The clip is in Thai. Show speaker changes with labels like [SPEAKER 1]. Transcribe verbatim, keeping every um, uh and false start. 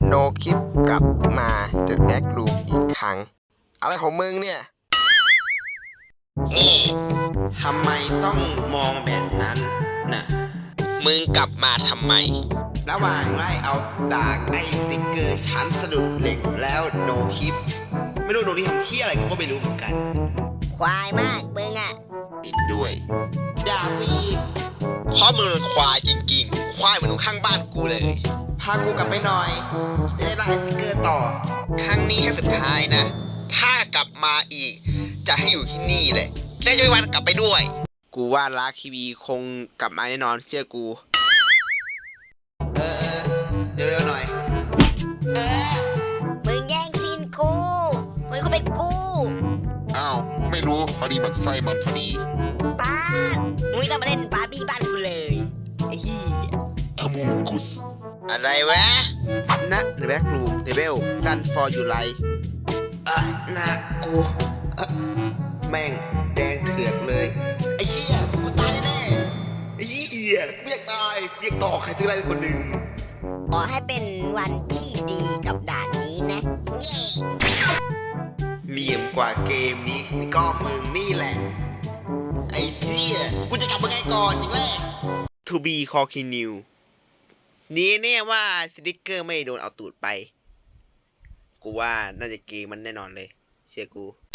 [SPEAKER 1] โนคลิปกลับมาเดอะแบ็กรูมอีกครั้งอะไรของมึงเนี่ยเอ๊ะทำไมต้องมองแบบนั้นน่ะมึงกลับมาทำไมระหว่างไล่เอาดากไอ้สติ๊กเกอร์ชั้นสะดุดเหล็กแล้วโนคลิปไม่รู้โนนี่ทำเหี้ยอะไรกูก็ไม่รู้เหมือนกัน
[SPEAKER 2] ควายมากมึงอ่ะ
[SPEAKER 1] ปิดด้วยด่าวีเพราะมึงเป็นควายจริงๆควายเหมือนตรงข้างบ้านกูเลยพากูกลับไปหน่อยจะได้ไล่สติ๊กเกอร์ต่อครั้งนี้แค่สุดท้ายนะถ้ากลับมาอีกจะให้อยู่ที่นี่เลยและจะไม่วันกลับไปด้วยกูว่าลาคีวีคงกลับมาแน่นอนเชื่อกูเออเร็วๆหน่อยเออ
[SPEAKER 2] มึงแย่งซีนกูมึงก็เป็นกู
[SPEAKER 1] อ้าวไม่รู้พอดีมันไส้มันพอดี
[SPEAKER 2] ป้ามึงไม่ต้องมาเล่นบาร์บี้บ้านกูเลยไอ้เหี้ย
[SPEAKER 1] อมูกุสอะไรวะนะในแบ็กรูมในเบลดันฟอร์อยู่ไรอ่ะนะกูอ่ะแม่งแดงเถือกเลยไอ้เชี่ยกูตายแน่ไอ้เหี้ยกูอยากตายกูอยากต่อใครซื้ออะไรคนหนึ่ง
[SPEAKER 2] ขอให้เป็นวันที่ดีกับด่านนี้นะเย้
[SPEAKER 1] เหลี่ยมกว่าเกมนี้ก็มึงนี่แหละไอ้เหี้ยกูจะกลับมาไงก่อนอย่างแรก To be continue นี่เนี่ยว่าสติ๊กเกอร์ไม่โดนเอาตูดไปกูว่าน่าจะเกมมันแน่นอนเลยเชื่อกู